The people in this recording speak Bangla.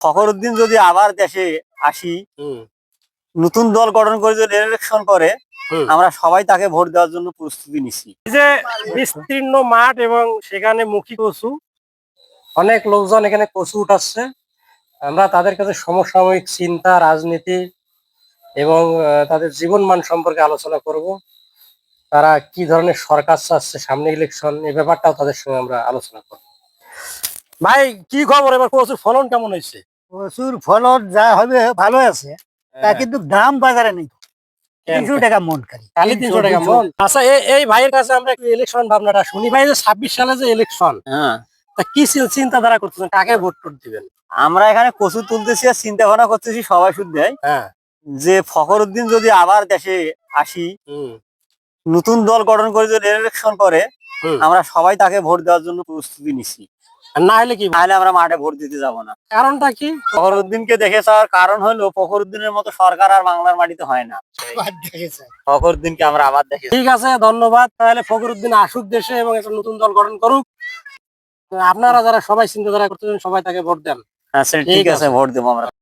ফখরুদ্দিন যদি আবার দেশে আসি, নতুন দল গঠন করে যদি ইলেকশন করে, আমরা সবাই তাকে ভোট দেওয়ার জন্য প্রস্তুতি নিচ্ছি। যে বিস্তীর্ণ মাঠ এবং সেখানে মুখী কচু, অনেক লোকজন এখানে কচু উঠাচ্ছে। আমরা তাদের কাছে সমসাময়িক চিন্তা, রাজনীতি এবং তাদের জীবন মান সম্পর্কে আলোচনা করব। তারা কি ধরনের সরকার চাচ্ছে, সামনে ইলেকশন, এই ব্যাপারটাও তাদের সঙ্গে আমরা আলোচনা করব। ভাই কি খবর, এবার কচুর ফলন কেমন হয়েছে? প্রচুর ফলন যা হবে ভালো আছে, তা কিন্তু দাম বাজারে নেই। 300 টাকা মন খালি। খালি 300 টাকা মন। আচ্ছা, এই ভাইয়ের কাছে আমরা একটু ইলেকশন ভাবনাটা শুনি। ভাই, যে 26 সালে যে ইলেকশন, হ্যাঁ, তা কি চিন্তাধারা করতেছেন, কাকে ভোট দিবেন? আমরা এখানে কচু তুলতেছি আর চিন্তা ভাবনা করতেছি সবাই শুদ্ধ হ্যাঁ, যে ফখরুদ্দিন যদি আবার দেশে আসি, নতুন দল গঠন করে যদি ইলেকশন করে, আমরা সবাই তাকে ভোট দেওয়ার জন্য প্রস্তুতি নিচ্ছি। আর না হলে কি? নাহলে আমরা মাঠে ভোট দিতে যাব না। কারণটা কি? ফখরুদ্দিনকে দেখে যাওয়ার কারণ হলো ফখরুদ্দিনের মতো সরকার আর বাংলার মাটিতে হয় না। ফখরুদ্দিনকে আমরা আবার দেখি। ঠিক আছে, ধন্যবাদ। তাহলে ফখরুদ্দিন আসুক দেশে এবং একটা নতুন দল গঠন করুক। আপনারা যারা সবাই চিন্তাধারা করতেছেন, সবাই তাকে ভোট দেন। আচ্ছা, ঠিক আছে, ভোট দেবো আমরা।